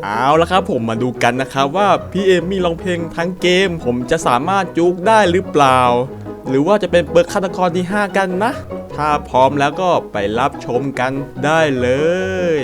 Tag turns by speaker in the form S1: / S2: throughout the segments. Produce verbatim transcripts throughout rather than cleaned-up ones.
S1: เอาละครับผมมาดูกันนะครับว่าพี่เอมมี่ร้องเพลงทั้งเกมผมจะสามารถจุกได้หรือเปล่าหรือว่าจะเป็นเปิดฆาตกรที่ห้ากันนะถ้าพร้อมแล้วก็ไปรับชมกันได้เลย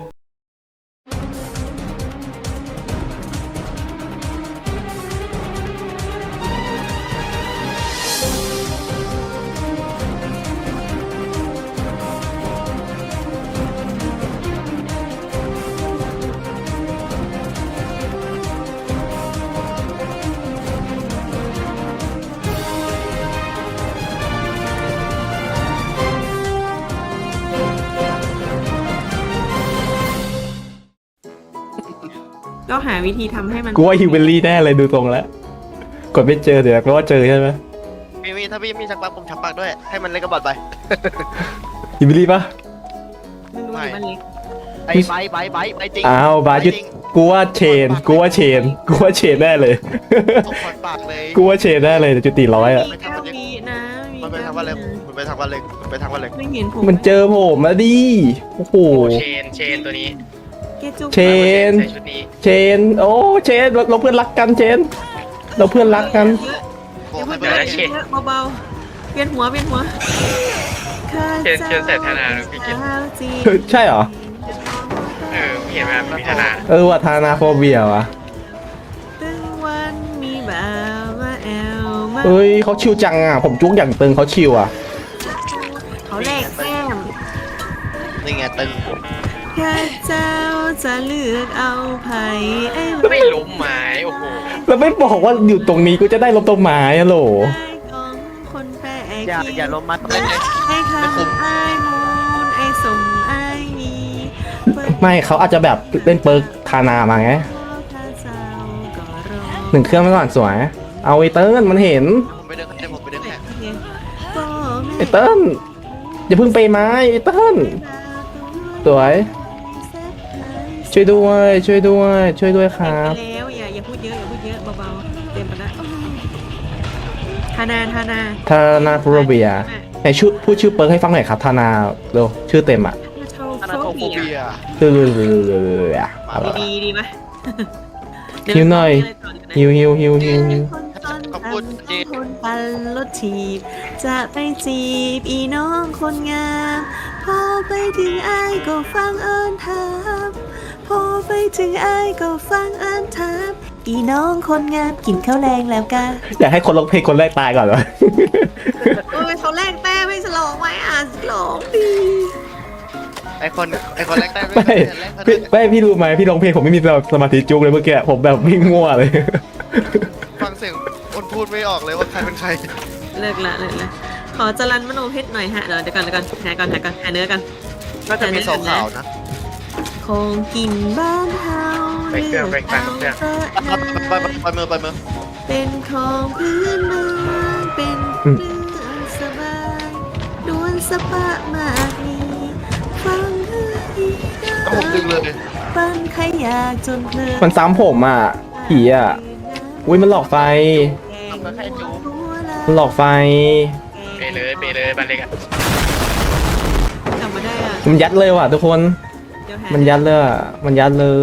S2: ก็หาวิธีทำให้มัน
S3: กูว่าฮิวเบลลี่แน่เลยดูตรงแล้วกดไม่เจอเดี๋ยวแปลว่าเจอใช่ไหม
S4: มีมีถ้าพี่มีชักปลักผมชักปลักด้วยให้มันเล่นกระบอกไป
S3: ฮิวเบลลี่ปะ
S2: ไม่รู้อยู่บ้านเล็ก
S4: ไอ้ไบไบไบไบจริง
S3: อ้าวบายุดกูว่าเชนกูว่าเชนกูว่าเชนแน่เลย
S4: ตกปากเลย
S3: กูว่าเชนแน่เลยแต่จุดตีร้อยอ่ะ
S2: มีเก้าวินะมี
S4: มันไปทางวันเล็กมันไปทางวันเล็กมันไปทางวันเล็ก
S2: ไม่เห็นผม
S3: มันเจอผมมาดิโอ้โห
S5: เชน เชนตัวนี้
S2: เกจุก
S3: เชน
S5: ใส่ชุดนี้
S3: เชนโอ้เชนเราเราเพื่อนรักกันเชนเราเพื่อนรักกัน
S4: โอ้
S2: เยอะ
S4: ให้
S2: เย
S4: ไป
S2: อะ
S4: เลย
S2: เยอะเบาๆเวียนหัวเวียนหัว
S5: เชนเชนใส่ธนาหรือพี่เกศ
S3: ใช่เหรอ
S5: เออเห็นไหมมีธนา
S3: เออว่าทานาโฟเบียวะ
S2: ตึงวันมีบ่าวมาแอลมา
S3: เอ้ยเขาชิวจังอ่ะผมจุกอย่างตึงเขาชิวอ่ะ
S2: เขาแลกแก้ม
S4: นี่ไงตึง
S2: ข้าเจ้าจะเลือกเอาไผ่ไอ้
S5: ไม่ล้มไม้โอ้โห
S3: แล้วไม่บอกว่าอยู่ตรงนี้กูจะได้ลบต้นไม้อะโหล
S2: ของคนแปลก
S4: อย่าอย่าล้มมัดเล่นเลย
S2: ไอ้คำไอ้มูนไอ้สมไอ้มีเปิด
S3: ไม่เขาอาจจะแบบเล่นเปิร์กทานามาไง
S2: ข้าเจ้าก็รอ
S3: หนึ่งเครื่องไม่ก่อนสวย เอาไอเติ้ลมันเห็น
S4: ผมไปเดินให้ผมไปเดินแข่ง
S2: ก็
S3: ไอเติ้ลอย่าเพิ่งไปไม้ไอเติ้ลสวย ช่วยด้วย ช่วยด้วย ช่วยด้วยค
S2: เต็ม
S3: รับ
S2: ไปแล้วอย่าอย่าพูดเยอะอย่าพูดเยอะเบาๆเต็มไปแล้วธานาธานา
S3: ทานาโฟเบียไหนชื่อพูดชื่อเปิร์กให้ฟังหน่อยครับทานาเร็วชื่อเต็มอ่ะ
S4: อนาโตโฟเบีย
S3: คือ
S2: ดีดีไหม
S3: ฮิวหน่อยฮิวฮิวฮิวฮิวฮิว
S4: ขอบคุณจี
S2: คนปันรถถีบจะไปจีบอีน้องคนงามพอไปถึงไอ้ายก็ฟังเอิญถามพอไปถึงไอ้ายก็ฟังเอิญถามอีน้องคนงามกินข้าวแรงแล้วกะ
S3: อยากให้คนร้องเพลงคนแรกตายก่อนเหรอ
S2: โอ้ยเขาแรงแต้ไม่ฉลองไหมอ่ะฉลองดี
S4: ไอคนไอคนแรกได้
S3: ไม่พี่ไม่พี่รู้ไหมพี่ร้องเพลงผมไม่มีสมาธิจุกเลยเมื่อกี้ผมแบบวิ่งมั่วเลย
S4: ฟังเสียงคนพูดไม่ออกเลยว่าใครเป็นใคร
S2: เลิกละเลิกละขอจรันมโนเพชรหน่อยฮะเดี๋ยวเดี๋ยวก่อนเดี๋ยวก่อนหาก่อนหาก่อนหาเนื้อกัน
S4: น่าจะมีสองขาวนะ
S2: คงกินบ้านเฮา
S5: ไปเครื่องไปกลางเครื่อง
S4: ไปไปไปมือไปมือ
S2: เป็นของพื้นเมืองเป็นเรื่องสบายดวนสปะมากมีฟังเฮ้ย
S4: ก็ผมดึงเลย
S2: ปั้นใครอยากจนเพลิน
S3: มันซ้ำผมอ่ะผีอ่ะอุ้ยมันหลอกไฟ
S4: ทำก็แค่จู
S3: มันหลอกไฟ
S5: ไปเลยไปเลยบันเล็กอะ
S2: กลับมาได้อ่ะ
S3: มันยัดเลยว่ะทุกคน
S2: เดี๋ยวหา
S3: มันยัดเลยอ่ะมันยัดเลย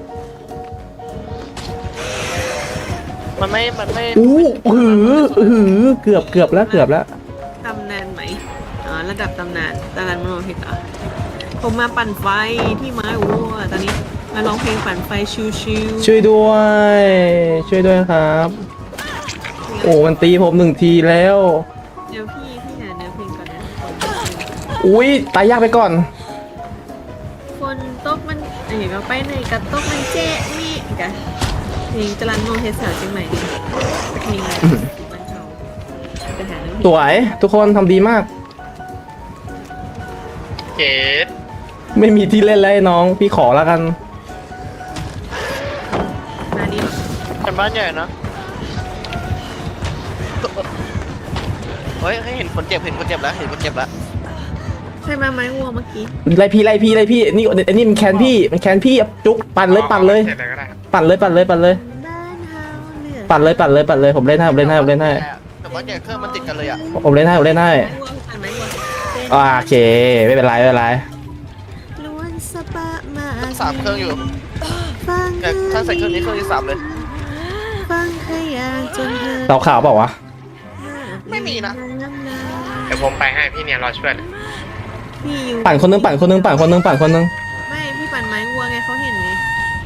S4: มันไม่มันไม่
S3: อู้หือหือเกือบเกือบแล้วเกือบแล้ว
S2: ตำนานไหมอ๋อระดับตำนานจรันมโนเพชรเหรอผมมาปั่นไฟที่ไม้วัวตอนนี้มาร้องเพลงปั่นไฟชิวๆ
S3: ช่วยด้วย ช่วยด้วยครับ โอ้มันตีผมหนึ่งทีแล้ว
S2: เดี๋ยวพี่พี่หาเนื้อเพลงก่อนนะ
S3: อุ้ยตายยากไปก่อน
S2: คนตกมันเอ๋ก็ไปไหนกับตกมันเจ๊นี่กันเพลงจรันโมเทสสาวเชียงใหม่นี่เพลงอะไรมันเขาไปหาเนื้อเพลง
S3: สวยทุกคนทำดีมาก
S5: เกศ
S3: ไม่มีที่เล่นแล้วไอ้น้อง พี่ขอแล้วกัน
S2: มาดิ
S4: เป็นบ้านใหญ่นะเฮ้ยให้เห็นคนเจ็บเห็นคนเจ็บแล้วเห็นคนเจ็บแล้ว
S2: ใช่มาไม้วัวเมื่อกี้
S3: ไล่พี่ไล่พี่ไล่พี่นี่อันนี้มันแคนพี่มันแคนพี่จุกปั่นเลยปั่นเลย
S5: เสร็จแล้วก็ได้
S3: ปั่นเลยปั่นเลยปั่นเลย
S2: บ้านเฮาเลือก
S3: ปั่นเลยปั่นเลยปั่นเลยผมเล่นให้ผมเล่นให้ผมเล่นให้
S4: แต่ว่าใหญ่เครื่องมันติดกันเลยอ่ะ
S3: ผมเล่นให้ผมเล่นให้
S2: ไม้วัวปั่นไม้วัวเป็น
S3: อ่าโอเคไม่เป็นไรไม่เป็นไร
S2: ล้วนสปะมา
S4: สามเครื่องอยู่
S2: เฟัง
S4: แต่ถ้าใส่เครื่องนี้เครื่องที่สามเลย
S2: ฟังขยะจนเธอ
S3: เราข่าวเปล่าวะ
S4: ไม่มีนะ
S5: เดี๋ยวผมไปให้พี่เนี่ยรอช่วยเลย
S2: พี่อยู่
S3: ปั่นคนนึงปั่นคนนึงปั่นคนนึงปั่นคนนึง
S2: ไม่พี่ปั่นไม้วัวไงเขาเห็นไง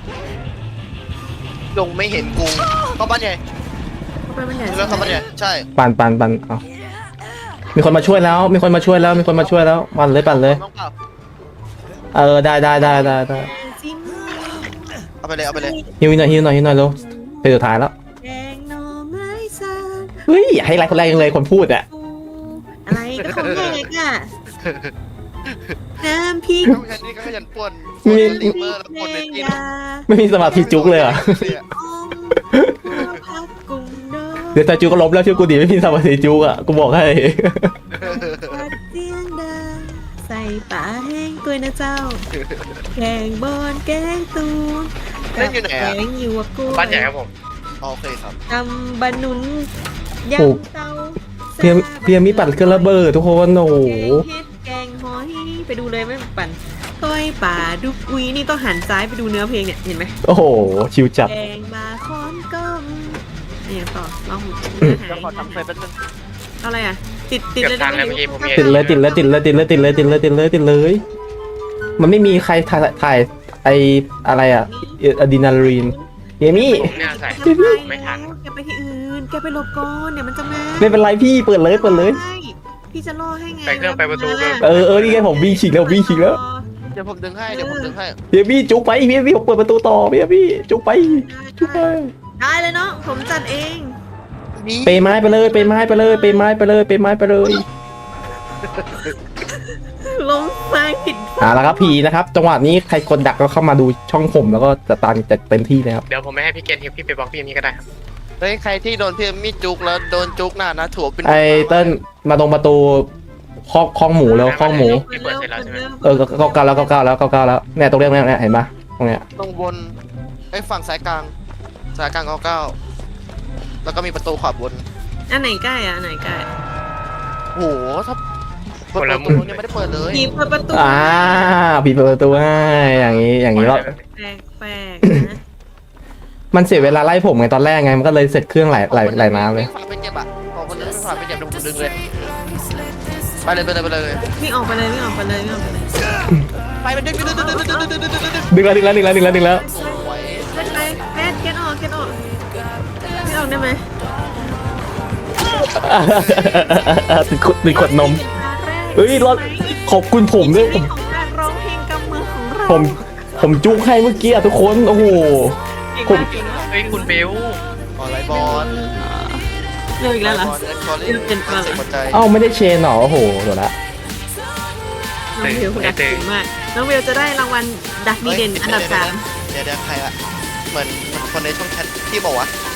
S4: ยงไม่เห็นกูเข้าบ้านใหญ่
S2: เขาไปมันใหญ่
S4: เรื่องเข้าบ้านใหญ่ใช่
S3: ปั่นปั่นปั่นเอามีคนมาช่วยแล้ว มีคนมาช่วยแล้ว มีคนมาช่วยแล้วปั่นเลยปั่นเลย
S4: น้องเปล่า
S3: เออได้ได้ได้ได้ได้
S2: จิ้ม
S4: เอาไปเลยเอาไปเลย
S3: ฮิวหน่อยฮิวหน่อยฮิวหน่อยเร็วเพลงสุดท้ายแล้ว
S2: แกงหน่อไม้สับ
S3: เฮ้ยอย่าให้ไลค์คนแรกยังเลยคนพูดอะ
S2: ปูอะไรก็ของแยกอ่ะน้ำพริก
S4: น้องแค่นี้ก็ขยันป่วนป่วนลิเมอร์แล้วป่วนในที่
S2: ยา
S3: ไม่มีสมาธิจุกเลยเหรอ
S4: เนี่ย
S2: อมพักกุ้งโด
S3: เดี๋ยวแต่จุกก็ล้มแล้วชื่อกูดีไม่มีสมาธิจุกอะกูบอกให้
S2: ปัดเสียงดังใส่ป่าแห้งตัวนะเจ้าแกงบอนแกงตูน
S4: เล่นอยู่ไหน
S2: แก
S4: อะ
S2: งอยู่กับกู
S5: บ้านใหญ่ครับผม
S4: โอเคครับ
S2: ตำบะหนุนยำเตา
S3: เพียมเพียมมีปั่นเครื่องระเบิดทุกคนโอ้โห
S2: แกงเห็ดแกงหอยไปดูเลยไม่ปั่นก้อยป่าดุกอุยนี่ต้องหันซ้ายไปดูเนื้อเพลงเนี่ยเห็นไหม
S3: โอ้โหชิวจัด
S2: แกงมาค้อนก้มเนี่ยต่อลอง
S4: เดี๋ยวขอทำไฟแป๊บนึง
S2: เอาอะไรอ่ะ ติดติด
S5: เกือบ
S2: เลย
S5: ทันแล้ว
S2: ได้
S5: เมื่อ
S2: ไห
S5: กี้ผมมี
S3: ติดเลยติดเลยติดเลยติดเลยติดเลยติดเลยติดเลยติดเลย มันไม่มีใครถ่ายถ่ายไออะไรอะอะดรีนาลีนเยมี่
S5: ผมเนี่ยใส่
S2: แกไป
S5: ไม่ทัน
S2: แกไปที่อื่นแกไปหลบก่อนเดี๋ยวมันจะมา
S3: ไม่เป็นไรพี่เปิดเลยเปิดเลย
S2: ใช่พี่จะล่อให้ไง
S5: ไปเครื่องไปประตูเลย
S3: เออเออนี่ไงผมวิ่งฉีกแล้ววิ่งฉีกแล้ว
S4: เดี๋ยวผมดึงให้เดี๋ยวผมดึงให้
S3: เยมี่จุกไปเยมี่ผมเปิดประตูต่อเยมี่จุกไปจุกไป
S2: ได้เลยเนาะผมจัดเอง
S4: นี่
S3: เปไม้ไปเลยเปไม้ไปเลยเปไม้ไปเลยเปไม้ไปเลย
S2: ลงไฟผิด
S3: อ่าแล้วครับพีนะครับจังหวะนี้ใครกดดักก็เข้ามาดูช่องผมแล้วก็จะตามจัดเต็มที่นะครับ
S5: เดี๋ยวผมไม่ให้พี่เกณฑ์ฮิวพี่ไปบล็อกพี่มีก็ได้ครับ
S4: เฮ้ยใครที่โดนพี่มีดจุกแล้วโดนจุกหน้านะถั่วเป็น
S3: ไอเติ้ลมาตรงประตูคอกคองหมูแล้วคองหมู
S5: พี่เปิดเสร็จแล้วใช่ไหม
S3: เออเก้าเก้าแล้วเก้าเก้าแล้วเก้าเก้าแล้วเนี่ยตรงเรื่องเนี้ยเนี่ยเห็นปะตรงเนี้ย
S4: ตรงบนไอ้ฝั่งสายกลางสายกลางเก้าเก้าแล้วก็มีประตูขวาบน
S2: อันไหนใกล้อ่ะอันไหนใกล้
S4: โหถ้าเปิดประตูยังไม่ได้เปิดเลย
S2: ผีเปิดประตู
S3: อ่าผีเปิดประตูให้อย่างนี้อย่างนี้เรา
S2: แปลกแปลกๆนะ
S3: มันเสียเวลาไล่ผมไงตอนแรกไงมันก็เลยเสร็จเครื่องไหลไหลไหลน้ำเลย
S4: ฝาไปเจ็บอ่ะพอคนนึงฝาไปเจ็บดึงดึงเลยไปเลยไปเลยไปเลย
S2: วิ่งออกไปเลยวิ่งออกไปเลยวิ่งออกไปเลย
S4: ไปไปดึงดึงดึงดึงดึงดึงดึงดึงดึงดึง
S3: ดึงแล้วดึงแล้วดึงแล้วดึงแล้วดึงแล้ว
S4: สวย
S2: เล่นไปแพทเก็ตออกเก็ตออกไม่ออกได้ไหม
S3: ติดขวดติดขวดนม เฮ้ยรอดขอบคุณผมด้วยผม
S2: ของการร้องเพลงกำมือของเรา
S3: ผมผมจุกให้เมื่อกี้อะทุกคนโอ้โห
S2: เก่งมากเก่งมาก
S5: เฮ้ยคุณเบล
S4: ออนไลน์บอล
S2: เร็วอีกแล้วเหรอ
S4: เอ็นคอร์ลิ่งเป็นหัวใจ
S3: เอ้าไม่ได้เชนเหรอโอ้โหเดี๋ยวละ
S2: น้องเบลคุณดักเก่งมากน้องเบลจะได้รางวัลดักดีเด่นอันดับสาม
S4: เดี๋ยวเดี๋ยวใครอะเหมือนคนในช่องแชทที่บอกว่า